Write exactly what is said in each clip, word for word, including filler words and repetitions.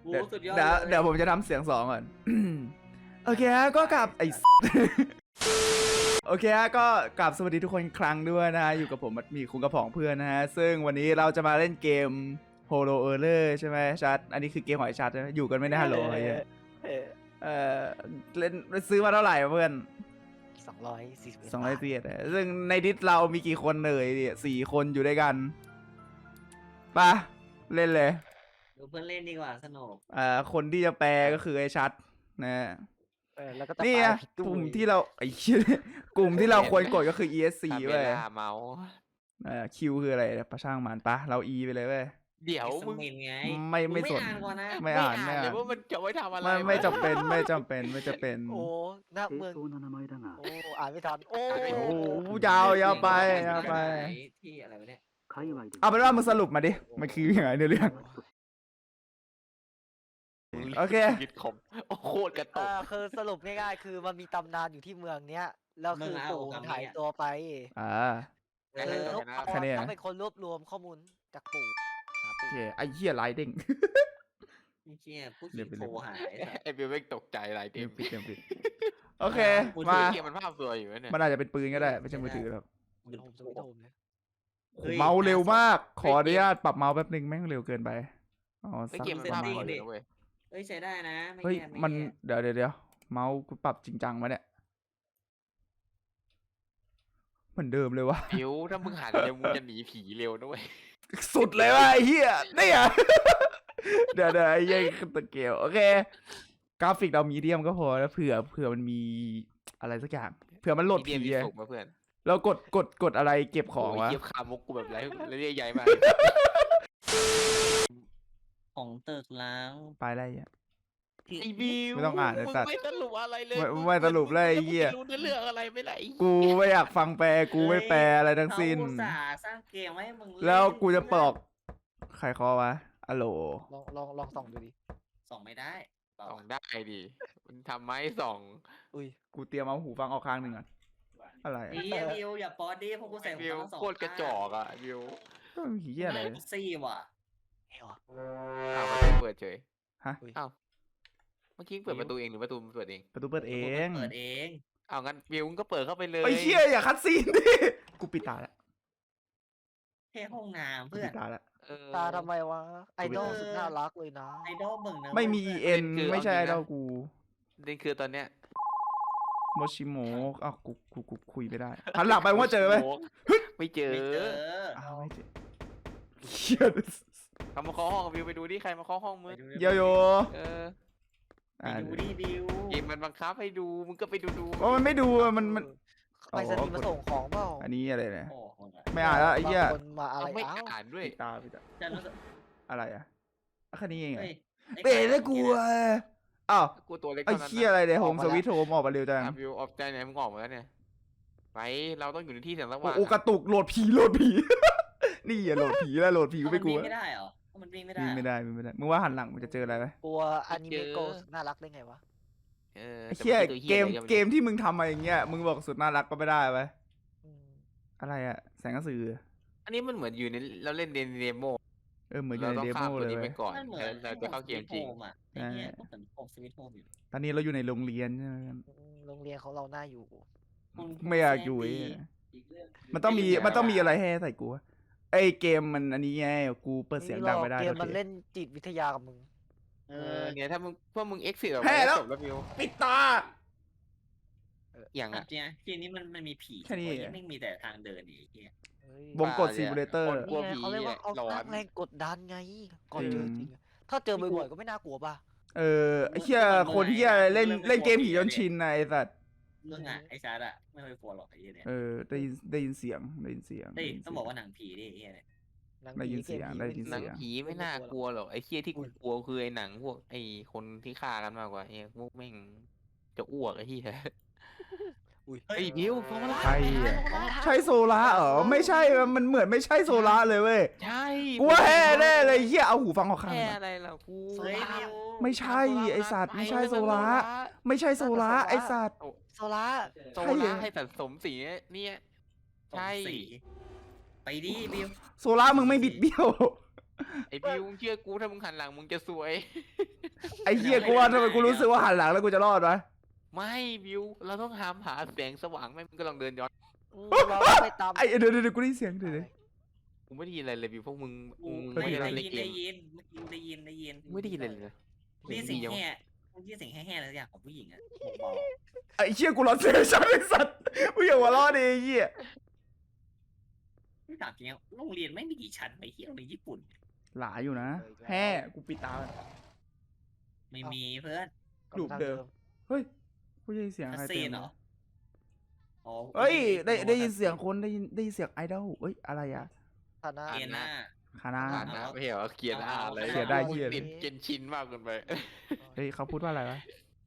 โอ้เดี๋ยวสุดยอดเดี๋ยวเลยเดี๋ยวผมจะทำเสียงสองก่อน โอเคฮะก็กลับไอ โอเคฮะก็กลับสวัสดีทุกคนอีกครั้งด้วยนะฮะอยู่กับผมมัดหมีคุงกระผองเพื่อนนะฮะซึ่งวันนี้เราจะมาเล่นเกม Holo Earler ใช่ไหมชัดอันนี้คือเกมหอยชัดนะอยู่กันไม่ได้ฮัลโหลไอ้เหี้ยเออเล่นซื้อมาเท่าไหร่เพื่อนสองร้อยสี่สิบสองร้อยเสียดซึ่งในดิสเรามีกี่คนเลยเนี่ยสี่คนอยู่ด้วยกันปะเล่นเลยดูเพื่อนเล่นดีกว่าสนุกอ่าคนที่จะแปลก็คือไอ้ชัดนะเออแล้วก็จะนี่ปอะลาผิดด้กวยลุ่มที่เราไอ้เหี้ยกลุ่มที่เราควรกดก็คือ อี เอส ซีทำเวเว้ยลาเมาส์อ่า Q คืออะไรประช่างมันปะเรา E ไปเลยเว้ยเดี๋ยวมึมึงงไงไม่ไม่งสนอ่านก่อนนะไม่อ่านไม่เลอ่าย นว่ามันจะไว้ทำอะไรไม่ไม่วะจำเป็นไม่จำเป็นไม่จำเป็นโอ้หน้าเมือง正当な名前だがโอ้อ่านไม่ทันโอ้โอ้โหยาวยาวไปยาวไปที่อะไรวะเนี่ย界隈でเอาเป็นว่ามึงสรุปมาดิมันคือยังไงเนื้อเรื่อง โอเคชีวิตของโอ้โคตรกระตอ่าก คือสรุปง่ายๆ คือมันมีตำนานอยู่ที่เมืองเนี้ยแล้วคือปู่มันหายตัวไปอ่าคือเขาแค่นี้นะเขาเป็นคนรวบรวมข้อมูลจากปู่หาโอปู่เคไอ้เหี้ยไลท์เด้งไม่เชี่ยผู้หเดี๋ญิยวงไปโทรหายไอ้บิวไม่ตกใจอะไรเตเต็รียมมผิดเตรียมผิดโอเคมือมาถือเกมมันภาพสวยอยู่เนี่ยมันอาจจะเป็นปืนก็ได้ไม่ใช่มือถือหรอกโฮมสวิตโฮมเนี่ยโอ้โหเมาส์เร็วมาก ขออนุญาตปรับเมาส์แป๊บนึงแม่งเร็วเกินไปอ๋อไอ้สักเกมมันประภาพมาสวยณอยู่นะเว้ยเฮ้ยใช้ได้นะไม่เฮ้ยแย่ไมันแย่เดี๋ยวเดี๋ยวเดี๋ยวเมาส์กูปรับจริงจังมาเนี่ยเหมือนเดิมเลยวะบิวถ้ามึงหันเร็วมึงจะหนีผีเร็วนะเว้ยสุดเลยวะไอ้เหี้ยเนี่ย เดี๋ยวเดี๋ยวไอ้เหี้ยตะเกียวโอเค กราฟิกเรามีเดียมก็พอแล้วเผื่อเผื่อมันมีอะไรสักอย่างเผื่อมันโหลดเดีผียมีอะสุกมาเพื่อนเรากดกดกดอะไรเก็บของโอ้ยวะเยียบขามุกกูแบบไรไรเรียใหญ่มากของตึกล้างไปอะไรอ่ะไอ้บิวไม่ต้องอ่านไอ้สัตว์มึงไม่สรุปอะไรเลยไม่งไม่สรุปเลยไอ้เหี้ยมึงไม่รู้เรื่องอะไรไม่ไรกูไม่อยากฟังแปลกูไม่แปลอะไรทั้งสิ้นเขาอุตส่าห์สร้างเกมไว้ให้มึงเนแล้วกูจะปลอกใครคอวะอะโหลลองลองลองส่องดูดิส่องไม่ได้เปล่าส่องได้ดิมันทำไมส่องอุ้ยกูเตรียมเอาหูฟังออกข้างหนึ่งก่อนอะไรอะดีบิวอย่าป๊อดดิเพราะกูใส่หูบิวฟังทั้งสองโคตรกระจอกอ่ะบิวก็มีเหี้ยอะไรไม่ซี่ว่ะเฮ้ยวะอ้าวมันไม่เปิดเฉยฮะอ้าวเมื่อกี้เปิดประตูเองหรือประตูมันเปิดเองประตูเปิดเองเปิดเองเอางั้นบิวมึงก็เปิดเข้าไปเลยไอ้เหี้ยอย่าคัดซีนดิ กูปิดตาแล้วแค่ห้องน้ำกูเพื่อปินดตาแล้วเออตาทำไมวะไอดอลเออสุดน่ารักเลยนะไอดอลมึงนะไม่มีเพื่เอ็นคือไม่ใช่เอาจริงนะเรากูนี่คือตอนเนี้ยโมชิโมะอ้าวกูกูกูคุยไม่ได้หันหลังไปว่าเจอไหมไม่เจอไม่เจออ้าวไม่เจอเหี้ยเขามาเคาะห้องบิวไปดูดิใครมาเคาะห้องมึงโยโย่เออไปอ่าดูดิบิวเกมมันบังคับให้ดูมึงก็ไปดูดูโอ้มันไม่ดูอะมันมันไปสนีย์มาส่งของเปล่าอันนี้อะไรเนี่ยโอ้โหไม่อ่านแล้วไอ้เหี้ยบางคนมาอะไรเอาไม่อ้าวอ่านด้วยปิดตาปิดตาจะรู้สึกอะไรอะอ่ะแค่นี้เองเหรอเฮ้ยเตะแล้วกูอะอ้าวกูตัวเล็กไอ้เท่านั้นเหี้ยอะไรเนี่ยโฮมสวิตโฮมออกมาเร็วจังอ่ะบิวออกใจไหนมึงออกมาแล้วเนี่ยไปเราต้องอยู่ในที่เสียงสโอ้ว่างโหกระตุกโหลดผีโหลดผี นี่อย่าโหลดผีแล้วโหลดผีกูไม่กลัวมันวิ่งไม่ได้เหรอมันวิ่งไม่ได้วิ่งไม่ได้วิ่งไม่ได้มึงว่าหันหลังมันจะเจออะไรไหมกลัวอนิเมะโกสน่ารักได้ไงวะเออไอ้แต่เหี้ยนตัวเกมอะไรเกมที่มึงทำมาอย่างเงี้ยมึงบอกสุดน่ารักก็ไม่ได้ไหมอืมอะไรอะแสงกระสืออันนี้มันเหมือนอยู่ในเราเล่นเดโมเออเหมือนอยู่เราในต้องเดโมข้ามตัวเลยนี้เว้ไปยก่อนมันเหมือนแล้วเราจะเข้าเกมจริงอ่ะไอ้เนี่ยก็เหมือนโฮมสวิตโฮมอยู่ตอนนี้เราอยู่ในโรงเรียนใช่ไหมอืมโรงเรียนของเราน่าอยู่ไม่อยากอยู่ไอ้เหี้ยมันต้องมีมันต้องมีอะไรให้ใส่กูวะไอเกมมันอันนี้ไงกูเปิดเสียงดังไม่ได้เกมโอมันเคเล่นจิตวิทยากับมึงเอเอออเนี่ยถ้ามึงพวกมึงเอ็กซิสออกแพ้มาแล้วจบแล้วบิวปิดตาอย่างอ่ะอ่ะจริงๆเกมนี้มันมันมีผีแค่นี้ไม่มีแต่ทางเดินอีกเหี้ยเฮ้ยวงกดซิมูเลเตอร์กลัวนี่ไงผีเขาเรียกว่าเขาหลอสร้าน งแรงกดดันไง ก่อนเจออืมจริงอะถ้าเจอบ่อยๆก็ไม่น่ากลัวป่ะเออไอ้เหี้ยคนเหี้ยเล่นเล่นเกมผีจนชินนะไอ้สัตว์เรื่องอ่ะไอ้ชาร์ดอ่ะไม่เคยกลัวหรอกไอ้เหี้ยเนี่ยเออได้ยินได้ยินเสียงได้ยินเสียงเฮ้ยได้ยินต้องเสีบอกยงว่าหนังผีดิไอ้เหี้ยเนี่ยหนังได้ยินผีเสียงกมได้ยินหนังเสียงผีไม่น่ากลัวหรอกไอ้เคี้ยที่กูกลัวคือไอ้หนังพวกไอ้คนที่ฆ่ากันมากกว่าไอ้พวกแม่งจะอ้วกไอ้เหี้ยอุ้ยไอ้บิวฟอร์มาล่าใช่อะใช่โซล่าเหรอไม่ใช่มันเหมือนไม่ใช่โซล่าเลยเว้ยใช่กูว่าแฮ่แน่เลยเหี้ยเอาหูฟังออกข้างแค่หนึ่งอะไรล่ะกูเฮ้ยบิวไม่ใช่ไอ้สัตว์ไม่ใช่โซล่าไม่ใช่โซล่าไอ้สัตว์โซล่าโซล่าให้สะสมสีเนี่ยใช่สมศรีไปดิบิวโซล่ามึงไม่บิดเบี้ยวไอ้บิวมึงเชื่อกูถ้ามึงหันหลังมึงจะสวยไอ้เหี้ยกูว่าทำไมกูรู้สึกว่าหันหลังแล้วกูจะรอดวะไม่บิวเราต้องหามหาแสงสว่างไม่มึงก็ลองเดินย้อนอืมเราไปตามไอ้เดี๋ยวเดี๋ยวเดี๋ยวกูได้ยินเสียงเดี๋ยวเดี๋ยวกูไม่ได้ยินอะไรเลยบิวพวกมึงมึงได้ไม่ยินได้ได้เล่นยินเกได้มยินได้ยินได้ยินได้ยินไม่ได้ยินเลยเลยได้ยินเสียงแห่ได้ยินเสียงแห่ๆอะไรสักอย่างของผู้หญิงอะเบาไอ้เหี้ยกูรอเสียงฉันไอ้สัตว์กูอย่าหัวเรอดดิไอ้เหี้ยๆไม่ถามจริงๆโรงเรียนไม่มีกี่ชั้นไปเที่ยวในญี่ปุ่นหลาอยู่นะแฮ่กูปิดตาไม่มีเพื่อนรูปเดิม เฮ้ยกูได้ยินเสียงคัสใครซีเต็นมเหรออ๋อเฮ้ยได้ได้ยินเสียงคนได้ยินได้ยินเสียงไอดอลเฮ้ยอะไรอะฐานะเกียนหน้าคานาอ่านนะไม่เห็นว่าเขียนอ่านอะไรเขียนได้เหี้ยติดเกนชินมากเกินไปเฮ้ยเขาพูดว่าอะไรวะ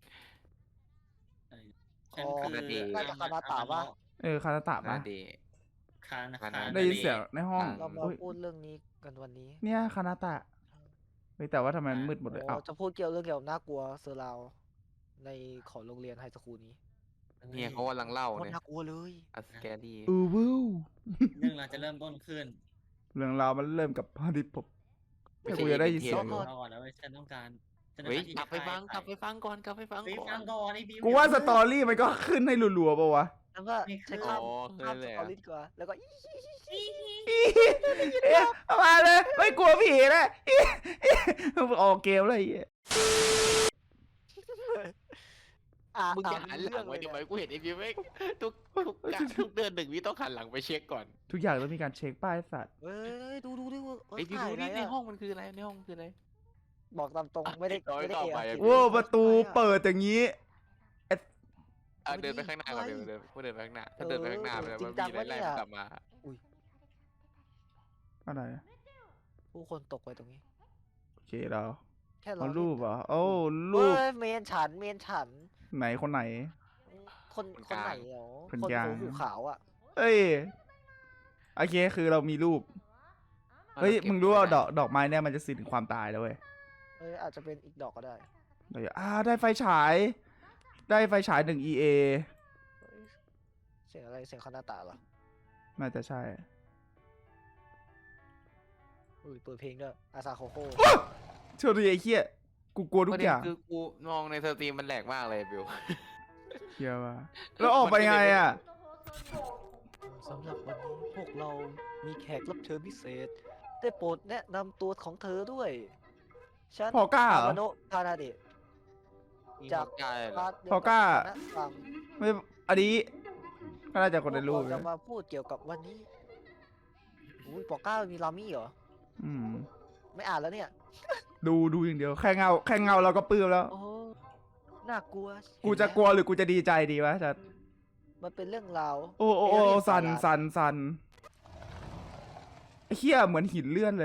ฉันคือน่าจะคานาตะปะเออคานาตะนาปะเดคานาคานาได้ยินเสียงในห้องเรามาเฮ้ยพูดเรื่องนี้กันวันนี้เนี่ยคานาตะเฮ้ยแต่ว่าทำไมมันมืดหมดเลยโอ้อ้าวจะพูดเกี่ยวเรื่องเกี่ยวกับน่ากลัวเซอร์ราวในของโรงเรียนไฮสคูลนี้เนี่ยเขากำลังเล่าโคตรเนี่ยน่ากลัวเลยอัสแกรี่อือวู้เรื่องเราจะเริ่มต้นขึ้นเรื่องราวมันเริ่มกับพาดิผมแต่กูจะได้ยินเสียงอยู่เราก่อนแล้วฉันต้องการฉันต้อเฮ้ยการที่กลับไปจะฟังกลับไปฟังก่อนกลับไปฟังไปก่อฟันงก่อนไอ้บิวกูว่าสตอรี่มันก็ขึ้นให้รัวๆปะวะแล้วก็ใช้ข้ามอ๋อข้ามเคสยเลยตออะรี่ดีกว่าแล้วก็อีเอ๊ะเอามาเลยไม่กลัวผีนะออกเกมอะไรอย่างเงี้ยอ่ะมึงจะหันหลังไว้ทำไมกูเห็นไอ้บิวไม่ทุกทุกกะทุกเดือนหนึ่งวิต้องหันหลังไปเช็คก่อนทุกอย่างต้องมีการเช็คป้ายสัตว์เฮ้ยดูดูดูเออไอ้บิวถ่ายดูอะไรนี่ในอะห้องมันคืออะไรในห้องคืออะไรบอกตามตรงไม่ได้น้อยไม่ได้ต่อเอะไปอะคิดโว้ประตูเปิดอย่างนี้อ่ะเดินไปข้างหน้าก่อนเดินเดินเดินไปข้างหน้าถ้าเดินไปข้างหน้าไปแล้วมันมีอะไรไล่มันกลับมาอะไรผู้คนตกไปตรงนี้โอเคเราแค่เอาเรารูปเหรอโอ้รูรูปปเมนฉันเมนฉันไหนคนไหนคนคนไหนเหรอคนคนกลางหัวหูขาวอ่ะเอ้ยโอเคคือเรามีรูปเฮ้ยมึงรู้ว่าดอกดอกไม้เนี่ยมันจะสื่อถึงความตายแล้วเว้ยเอ้ยอาจจะเป็นอีกดอกก็ได้เดี๋ยวอ่าได้ไฟฉาย ได้ไฟฉายหนึ่ง อี เอเฮ้ยเสียงอะไรเสียงคานาตะเหรอน่าจะใช่อุ้ยเปิดเพลงด้วยอาซาโคโค่เชื่อดิไอ้เหี้ยกูกลัวทุปกระเด็อน ย่างคือกูมองในสตรีมมันแหลกมากเลยบิวเหี้ยว่ะแล้วออกไปไงอ่ะสำหรับวันนี้พวกเรามีแขกรับเชิญพิเศษ ได้โปรดแนะนำตัวของเธอด้วย ฉันพอก้าเหรออามาโนะคานาเดะ จากกายเหรอพาร์ทเดียวพอก้าคณะฟังไม่อันนี้ก็น่าจะคนในรูปพวกเรานะจะมาพูดเกี่ยวกับวันนี้อุ้ยปอก้ามีรามี่เหรออืมไม่อ่านแล้วเนี่ยดูดูอย่างเดียวแค่เงาแค่เงาเราก็ปลื้มแล้วโอ้ น่ากลัวกูจะกลัวหรือกูจะดีใจดีวะจะมันเป็นเรื่องราวโอ้โอ้โอ้เรื่องสันสาระสันสันไอ้เหี้ยเหมือนหินเลื่อนเลย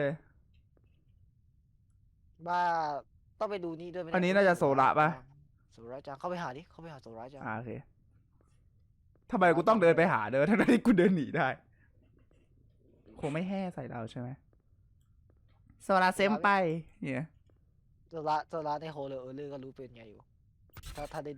บ้าต้องไปดูนี่ด้วยไหมเยอันนี้น่าจะโซระปะโซระจังเข้าไปหาดิ เข้าไปหาโซระจังอ่าโอเคทำไมกูต้องเดินไปหาเดินทั้งที่กูเดินหนีได้ คงไม่แห่ใส่เราใช่ไหมโซลาเซมไปเนี่ยโซระโซระในโฮเลอร์เออร์เลอร์ก็รู้เป็นไงอยู่ ถ้าถ้าได้ดู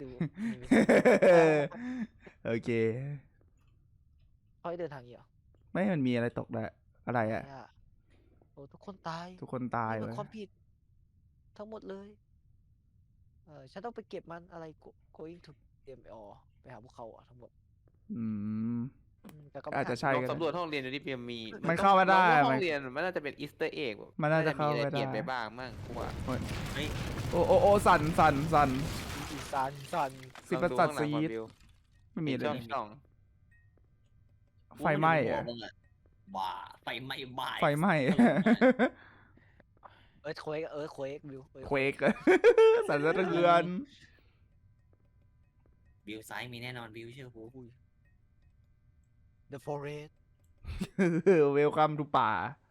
โอเคเขาให้เดินทางนี้เหรอไม่มันมีอะไรตกแล้วอะไรอ่ะเนี่ยโอ้ทุกคนตายทุกคนตายนี่เลมันยความผิด ทั้งหมดเลย เออฉันต้องไปเก็บมันอะไร go- going to เอ็ม อ ไปหาพวกเขาอ่ะทั้งหมดอืมอืมแต่ก็อาจจะใช่ลองก็สำรวจได้ห้องเรียนดูดิเพียมมีมันเข้ามาได้ลองว่าห้มัอน งเรียนมันน่าจะเป็นอีสเตอร์เอ็กมันน่าจะเข้ามีอะไรไปได้เปลี่ยนไปบ้างมั่งกูว่าโอ้โอ้โอ้สั่นสั่นสั่นอีสันสันสิบลประองสัดข้างหลัซีงก่อนดบิวไม่มีอะไรช่องนี่ช่องไฟไหม้อะอะบ้าไฟไหม้บ้าไฟไหม้เอิร์ธเควกเอิร์ธเควกวิวเควก สั่นสะเทือนบิวซ้ายมีแน่นอนบิวเชื่อกู The Forest เวลคัมทูป่า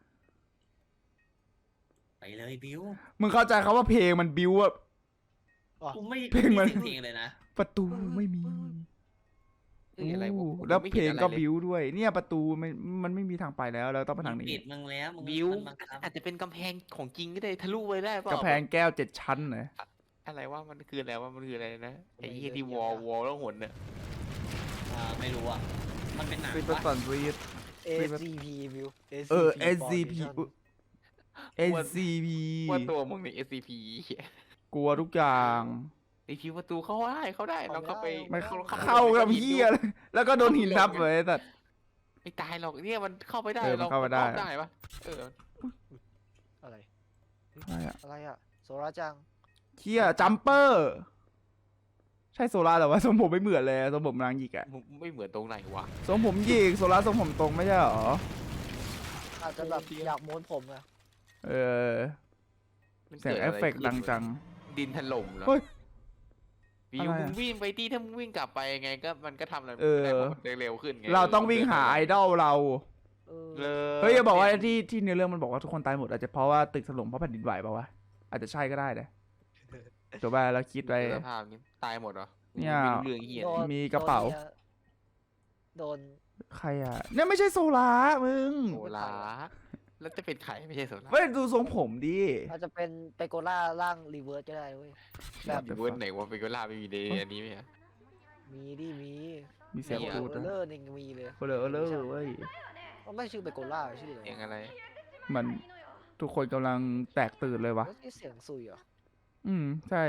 ไปเลยบิวมึงเข้าใจเขาว่าเพลงมันบิวอะกูไม่เพลงมันไเพลงเลยนะประตูไม่มีเอ้ยอะไรวะอู้กูแล้วไม่เพลห็นงอะไรก็เลยบิวด้วย เนี่ยประตูมันมันไม่มีทางไปแล้วเราต้องไปทางนี้ปิดมึงแล้วมึงบิวมันบังคับอาจจะเป็นกำแพงของจริงก็ได้ทะลุไปได้เปล่ากระแพงแก้วเจ็ดชั้นเลยอะไรว่ามันคืออะไรว่ามันคืออะไรนะไอ้ไม่เหี้ยเลยที่เดี๋วยวอลนะวอลแล้วหนเนี่ยอ่าไม่รู้อ่ะมันเป็นหนังซิปเปอร์วะสันรีดเอ ซี พี วิวเออเอเอส ซี พี Foundation เอ็น ซี พีว่าตัวมึงใน เอส ซี พีกลัวทุกอย่างไอคิวประตูเข้าได้เข้าได้เราเข้าไปไม่เข้าเข้ากับเฮียเลยแล้วก็โดนหินทับเลยแต่ไม่ตายหรอกเนี่ยมันเข้าไปได้เออมันเข้าไปได้รอบได้ปะเอออะไรอะไรอะอะไรอะโซราจังเฮียจัมเปอร์ ใช่โซล่าแต่ว่าทรงผมไม่เหมือนเลยทรงผมนางหยิกอะมึงไม่เหมือนตรงไหนวะทรงผมหยิกโซล่าทรงผมตรงไม่ใช่หรออาจจะแบบอยากม้วนผมอะเออมันเสียงกิดเออะฟไรเฟกต์ขึ้นดังจังดินถล่มเหรอเฮ้ยวิวอะไรมึอะงวิ่งไปที่ถ้ามึงวิ่งกลับไปไงก็มันก็ทำอะไรเออไม่ได้เพราะมันเร็วขึ้นไงเราต้องวิ่งหาไอดอลเราเออเลยเฮ้ยอย่าบอกว่าที่ที่เนื้อเรื่องมันบอกว่าทุกคนตายหมดอาจจะเพราะว่าตึกถล่มเพราะแผ่นดินไหวเปล่าวะอาจจะใช่ก็ได้นะจบไปแล้วคิดไปสภาพนี้ตายหมดเหรอเนี่ยไม่รู้เรื่องเหี้ยโดนมีกระเป๋าโดนใครอ่ะเนี่ยไม่ใช่โซล่ามึงโซลาแล้วจะเป็นไข่ไม่ใช่โซลาไม่ดูทรงผมดิอาจจะเป็นเปโกล่าร่างรีเวิร์สก็ได้เว้ยแบบเดี๋ยวเวิร์ดไหนว่าเป็นโซลาไม่มีในอันนี้ไหมอะมีดิมีมีเสียงมีพูดเอนะอเลอร์นี่มีเลยเออเลอเออเลอเว้ยมันไม่ชื่อเปโกล่าชื่ออะไรเสียงอะไรเหมือนทุกคนกำลังแตกตื่นเลยวะเอ้ยเสียงซุยเหรออืมใช่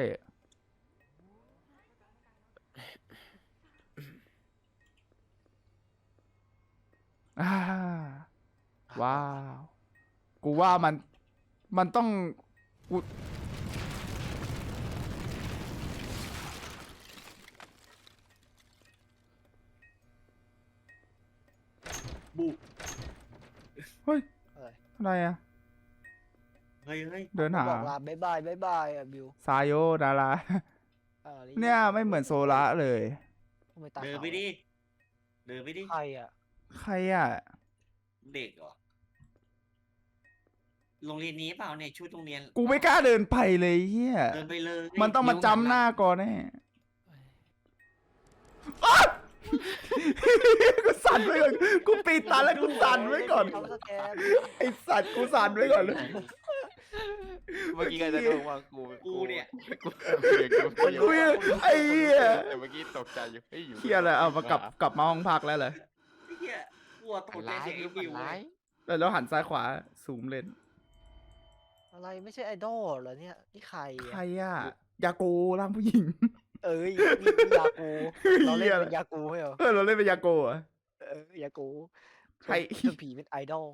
อ่าว้าว กูว่ามัน มันต้องกูบุเฮ้ยอะไรอะไรอ่ะเฮ้ยเฮ้ยเดินหาบอกลาบายบายบายบายอ่ะบิวซายโยดาราอ่าเนี่ยไม่เหมือนโซล่าเลยทำไมตาเดินขาวไปดิเดินไปดิใครอ่ะใครอ่ะเด็กเหรอโรงเรียนนี้เปล่าเนี่ยชุดโรงเรียนกูไม่กล้าเดินไปเลยเฮียเดินไปเลยมันต้องมาจำหน้าก่อนแน่อ๊ะ กูสั่นไว้ก่อน กูปิดตาแล้วกูสั่นไว้ก่อนทำสแกนไอสัตว์กูสั่นไว้ก่อนเลยเมื่อกี้ก็จะโดนว่ากูกูเนี่ยกูกูกูกูยังไอ้เหี้ยแต่เมื่อกี้ตกใจอยู่เฮ้ยอยู่เฮียอะไรเอามากลับกลับมาห้องพักแล้วเหรอไอ้เหี้ยกลัวตฝักนใจร้ายเสียงไอ้ฝับินวร้ายแล้วหันซ้ายขวาซูมเล่นอะไรไม่ใช่ไอดอลเหรอเนี่ยนี่ใครใครอ่ะอ่ะ ยาโกร่างผู้หญิงเอ้ยนี่นี่ยากูเราเล่นเป็นยากูไม่เหรอเออเราเล่นเป็นยาโกะเหรอเออยากูใครส่วนผีเป็นไอดอล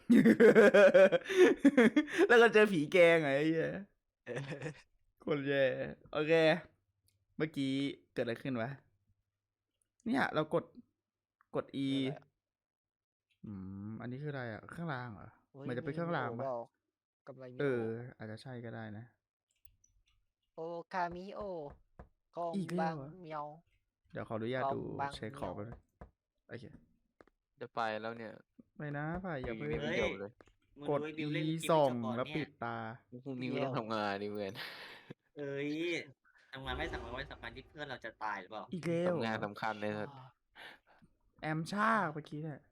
แล้วก็เจอผีแกงไงไอ้เหี้ยเออคนแย่โอเค เมื่อกี้เกิดอะไรขึ้นวะ เนี่ยเรากดกด E อืม อันนี้คืออะไรอ่ะ ข้างล่างเหรอฮ้ยมันจะเป็นเครื่องรางเปปะล่ากำไรมิเอโออ อาจจะใช่ก็ได้นะโอคามิโอของอีกแล้บางวเหรอเมียวเดี๋ยวขออนุญาตของดูบางเช็คของเหกันีนยวโอเคจะไปแล้วเนี่ยไม่นะพ่ายอย่าอยู่เพิ่งในวิดีโอเลยมึงกดดูไอ้บิว E เล่นเกมส่องจบก่อนแล้วเนี่ยปิดตาพรุ่งนี้ก็ต้องทำงานดิเพื่อนเอ้ยทำงานไม่สำคัญไม่สำคัญที่เพื่อนเราจะตายหรือเปล่าอีกแล้วทำงานสำคัญเลยสัสอ่าแอมชาเมื่อกี้เนี่ย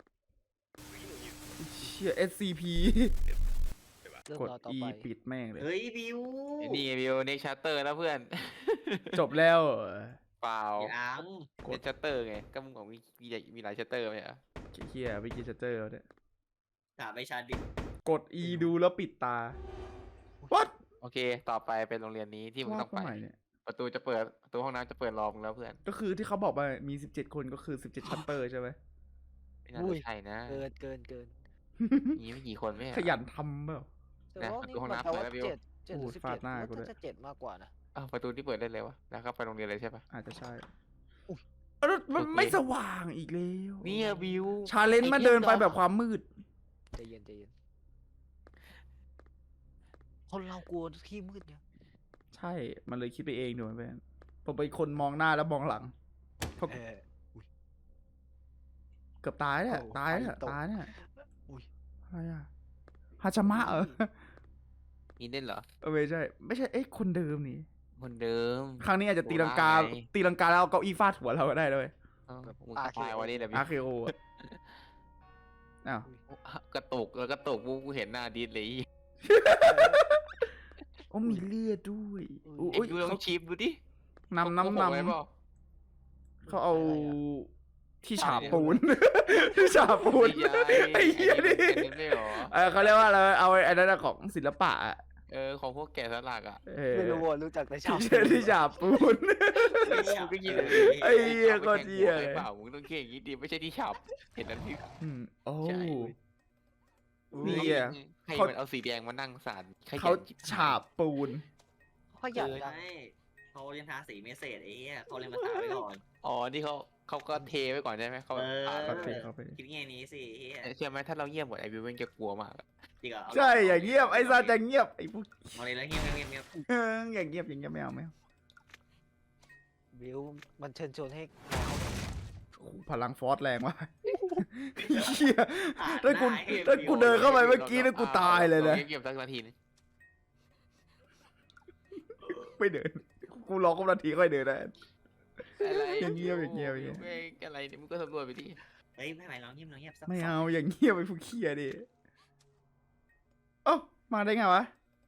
เชีย เอส ซี พีเรื่องกดราวต่อ E ไปปิดแม่งเลยเฮ้ยบิวไอ้นี่ไงวิวเน็กชัตเตอร์แล้วเพื่อนจบแล้วเหรอเปล่ายังกดเน็กชัตเตอร์ไงก็มึงบอกมีมีมีหลายชัตเตอร์ไหมอ่ะเฮียเมื่อกี้จะเจอแล้วเนี่ยถามไปชาดิกด E ดูแล้วปิดตา What โอเค ต่อไปเป็นโรงเรียนนี้ที่มึงว่าต้องไปเมื่อไหร่เนี่ยประตูจะเปิดประตูห้องน้ำจะเปิดรอมึงแล้วเพื่อนก็คือที่เขาบอกว่ามีสิบเจ็ดคนก็คือสิบเจ็ดชัตเตอร์ใช่ไหมไม่น่าอุ้จะยใช่นะเกินเกินเกินมีไม่กี่คนไม่ใช่เหรอขยันทำเปล่าแต่นะว่าประนี่ตูห้องมันน้ำแปลว่าเปิดแล้วบิวเจ็ดเจ็ดหรือโอ้ยสิบฟาเจ็ดดหน้าว่ากูด้วยจะเจ็ดมากกว่านะอ้าวประตูที่เปิดได้เลยวะแล้วก็ไปโรงเรียนเลยใช่ปะอาจจะใช่อุ๊ยเอ้ามันโอเคไม่สว่างอีกแล้วเนี่ยบิวชาเลนจ์มาเดินไปแบบความมืดใจเย็นใจเย็นคนเรากลัวที่มืดเนี่ยใช่ มันเลยคิดไปเองดูมันเป็นผมเป็นคนมองหน้าแล้วมองหลังเพราะเออเกือบตายเนี่ยโอ้ตายเนี่ยไฟตกตายเนี่ยอุ้ยอะไรอะฮาชามะเหรอมีเล่นเหรอเออไม่ใช่ ไม่ใช่ เอ๊ะ คนเดิมนี่คนเดิมครั้งนี้อาจจะตีลังกาโบราณไงตีลังกาแล้วเอาเก้าอี้ฟาดหัวเราก็ได้ด้วยเอ้ามึงก็ตายวันนี้แหละบิอาร์เคโออะอ้าววกระตุกแล้วกระตุกกูกูเห็นหน้าดิสเลยโอ้มีเลือดด้วยอุ้อุ้ยยไอ้ดูลองเขาชิมดูดินำน้ำนเขาบอกไว้เปล่าำเขาเอาอะไรอะที่ฉาบปูน ที่ฉาบปูนไม่ใช่ไอ้เหี้ยนี่ไอ้นี่ไม่หรอเออเขาเรียกว่าอะไรเอาไอ้นั่นนะของศิลปะอะเออของพวกแกะสลักอ่ะเออไม่รู้อ่ะรู้จักแต่ชาวที่ที่ฉาบปูนมึงก็ยินไอ้เหี้ยโคตรเหี้ยเลยเปล่ามึงต้องเก่งอย่างนี้ดิไม่ใช่ที่ฉับเห็นนั้นที่อืมโอ้ใช่นี่ อ่ะให้เขามันเอาสีแดงมานั่งสารขยันเขาชิบหยฉาบปูนขยันนะใช่เขายังทาสีไม่เสร็จไอ้เหี้ยเขาเลยมาทาไว้ก่อนอ๋อนี่เขาเขาก็เทไว้ก่อนใช่ไหมเขาเอออ่านเขาเทเขาไปคิดไงนี้สิเหี้ยเชื่อไหมถ้าเราเงียบหมดไอวิวมันจะกลัวมากอะจริงเหรอใช่อย่างเงียบไอ้ซาจะเงียบไอ้พวกเอาเลยแล้วเงียบเงียบเงียบเอออย่างเงียบอย่างเงียบไม่เอาไม่เอาบิวมันเชิญชวนให้โอ้โหพลังฟอสแรงว่ะเหี้ยอ่านถ้ากูได้เหี้ยถ้ากูเดินเข้าไปเมื่อกี้แล้วกูตายเลยนะราเงียบๆสักนาทีนึงไม่เดิน กูรอครบนาทีค่อยเดินได้อะไรอย่างเงียบอย่างเงียบอย่างเงียบไม่อะไรเนี่ยมึงก็สำรวจไปดิเฮ้ยไม่ไหวเราเงียบเราเงียบสักไม่เอาอย่างเงียบไปพวกเคียดิเอ้ามาได้ไงวะ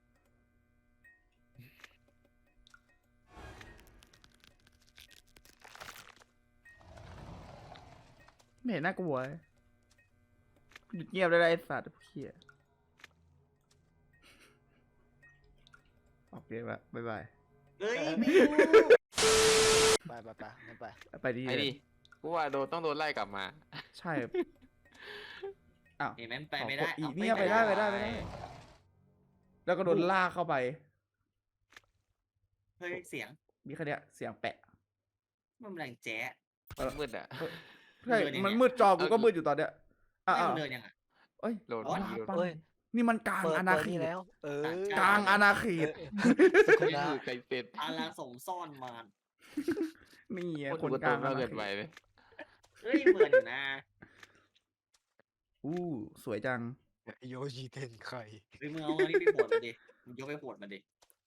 ไม่เห็นน่ากลัวเลยหยุดเงียบได้ไรไอ้สัตว์พวกเคียออกเกมละบ๊ายบายเฮ้ยไม่รู้ไปไปไปงั้นไปไปดีไอ้ดิกูว่าโดนต้องโดนไล่กลับมาใช่อ้าวเห็นไหมไปไม่ได้อีเอาเนี่ยไปได้ไปได้ไปได้ แล้วก็โดนลากเข้าไปเฮ้ยเสียงมีแค่เนี้ยเสียงแปะมันแรงแจ๊ะมันมืดอ่ะใช่เดินยังไงมันมืดจอกูก็มืดอยู่ตอนเนี้ยอ่ะไม่อ่ะมันเดินยังไงเอ้ยโดนอ๋อมันโดนปังเอ้ยนี่มันกลางเปิดอาณาเปิดเขนี่ตแล้ว เออกลางอาณาเขตสุขุนี่นะคือใครเป็นอาราสมซ่อนมารนี่ไงคคน นกกลาลาง งมาอาณาเกินเขไปตเลยเฮ้ยเหมือนอยู่นะอู้สวยจังโยชิเทนไคเฮ้ยมึงเอาอันนี้ไปบวชมาดิมึงยกไปบวชมาดิ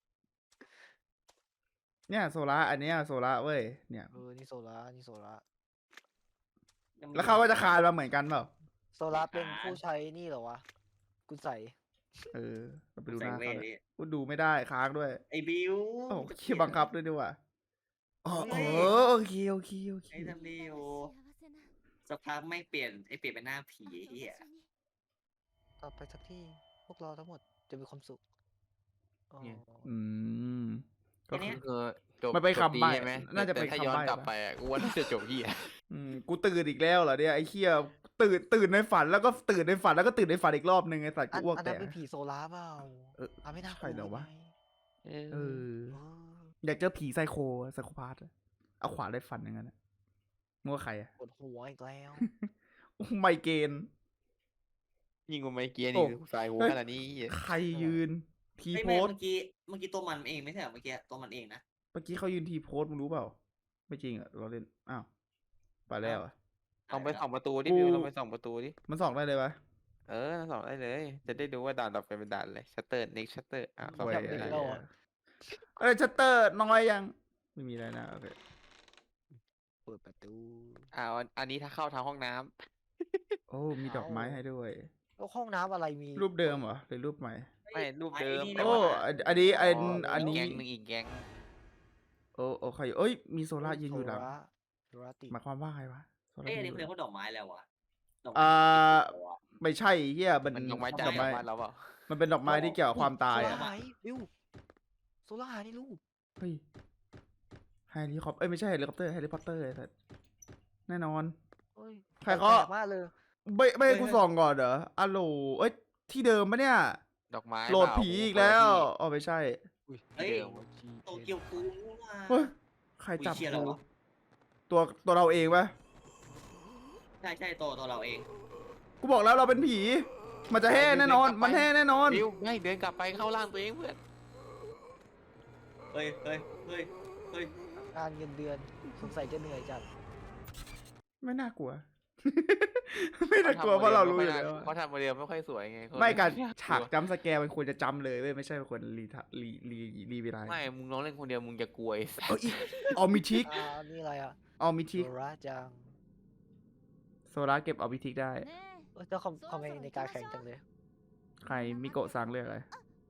เนี่ยโซล่าอันเนี้ยโซล่าเว้ยเนี่ยเออนี่โซล่านี่โซล่าแล้วเขาก็จะคานมาเหมือนกันเปล่าโซล่าเป็นผู้ใช้นี่เหรอวะกุใส่เออเราไปดูหใส่น้าเวเขาทเลยดิกูดูไม่ได้ค้างด้วยไอ้บิวโอ้คิดบังคับด้วยดีกว่าอ๋อเฮ้เอย อโอเคโอเคโอเคไอ้ทำดีโอสักพักไม่เปลี่ยนไอ้เปลี่ยนเป็นหน้าผีไอ้เหี้ยต่อไปสักที่พวกเราทั้งหมดจะมีความสุขอ๋ออืมก็คือคือจบมันเป็นจบคำดีใบ้ใช่ไหมน่าจะแต่เป็นถ้าคำย้อนใบ้กลับปะไปอ่ะกูว่าน่าจะจบเหี้ยอืมกูตื่นอีกแล้วเหรอเนี่ยไอ้เคียตื่นตื่นในฝันแล้วก็ตื่นในฝันแล้วก็ตื่นในฝันอีกรอบนึงไอ้สัตว์อักูนอ้วกอันแตนั้นกเป็นผีโซล่าเปล่าเอออ่ะไม่น่ากใช่ลัวเหรอวะไงเออเออเอออยากเจอผีไซโคไซโคพาร์ตเอาขวานได้ฟันอย่างนั้นอะมึงว่าใครอะปวดหัวอีกแล้วโอ้ไมเกรนยิงกูไม่เกียร์โอ้นี่สายหัวขนาดนี้เหี้ยใครยืนทีเฮ้ยโพแม่สเมื่อกี้เมื่อกี้ตัวมันเองไม่ใช่เหรอเมื่อกี้ตัวมันเองนะเมื่อกี้เขายืนทีโพสมึงรู้เปล่า ไม่จริงอะเราเล่นอ้าวไปแล้วอะลองไปส่องประตูดิกูบิวลองไปส่องประตูดิมันส่องได้เลยปะเออส่องได้เลย จะได้ดูว่าด่านต่อไปเป็นด่านอะไรชัตเตอร์เน็กชัตเตอร์อ่ะส่องโอ้ยได้อะไรเลยอะเอ้ยชัตเตอร์น้อยยัง ไม่มีอะไรนะโอเคเปิดประตูอ่าอันนี้ถ้าเข้าทางห้องน้ำโอ้มีดอกไม้ให้ด้วยแล้วห้องน้ำอะไรมีรูปเดิมเหรอหรือรูปใหม่ไม่รูปเดิมไอ้นี่แต่โอ้ว่าอันอันนี้อันอันอีกนี้แก๊งหนึงอีกแก๊งโอ้โอเคเอ้ยมีโซล่ายืนอยู่หลังโซล่าโซล่าติดหมายความว่าไงวะโซล่าเอ้ยอันยืนี้นอยู่เพื่หอนลังเขาดอกไม้แล้ววะดอกอ่ไม้าติดตัวไม่ใช่เฮียมันมันดอกไม้ใจดอกไม้บ้านเราเปล่ามันเป็นดอกไม้ที่เกี่ยวกับความตายโซอะล่าหายบิวโซล่าหายในรูปเฮ้ยแฮร์รี่คอปเอ้ยไม่ใช่แฮร์รี่คอปเตอร์แฮร์รี่พอตเตอร์ไอ้สัสแน่นอนเฮ้ยใครเขาแปลกมากเลยไม่ไม่ให้กูส่องก่อนเหรออะโหลเอ้ยที่เดิมปะเนี่ยดอกไม้โหลดเปล่าผีอีกแล้วอ๋อไม่ใช่อุ้ยเฮ้ยที่เดิมโตเกียวคูนี่ว่ะเฮ้ยใครจับอุ๊ยเชี่ยอะไรกูวะตัวตัวเราเองปะใช่ใช่ตัวตัวเราเองกูบอกแล้วเราเป็นผี มันจะแห่แน่นอน มันแห่แน่นอนบิวไม่เดินกลับไปเข้าร่างตัวเองเพื่อนเฮ้ยเฮ้ยเฮ้ยเฮ้ยงานเงินเดือนสงสัยจะเหนื่อยจัดไม่น่ากลัว ไม่น่ากลัวเพราะเรารู้อยู่แล้วเขาทำโมเดลไม่ค่อยสวยไงเขาไม่การน่ลัวฉากจำสแกร์มันควรจะจำเลยเว้ยไม่ใช่เป็นคนรีทะรีรีรีเวลาไม่มึงลองเล่นคนเดียวมึงจะกลัวไอ้สัเอ้สยออมิทิกอ่านี่อะไรอ่ะออมิทิกโซล่าจังโซล่าเก็บออมิทิกได้เอ้ยเจ้าคอมคอมเมนต์ในการแข่งจังเลยใครมิโกะซังเลือกอะไร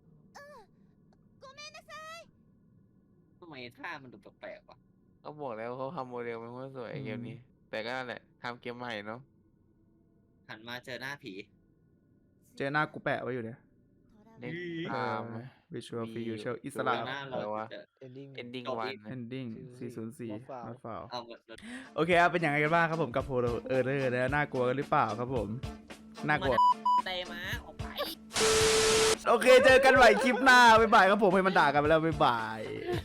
ทำไมท่ามันดูแปลกๆวะเขาบอกแล้วเขาทำโมเดลไม่ค่อยสวยอืมเกมนี้ แต่ก็นั่นแหละทำเกมใหม่เนาะหันมาเจอหน้าผีเจอหน้ากูแปะไว้อยู่เนี่ยเด็กตามไหม Visual มี Free อยู่ Usual อิสแล้ระวหน้าอะไรเราวะจะ ending ending จบ one อีกนะ Ending สี่ศูนย์สี่ Not found Not found เอาหมดเลยโอเคครับเป็นยังไงกันบ้างครับผมกับโพลเออร์เรอร์นะน่ากลัวกันหรือเปล่าครับผมน่ากลัวเตะม้าออกไปโอเคเจอกันใหม่คลิปหน้าบ๊ายบายครับผมให้มันด่ากันไปแล้วบ๊ายบาย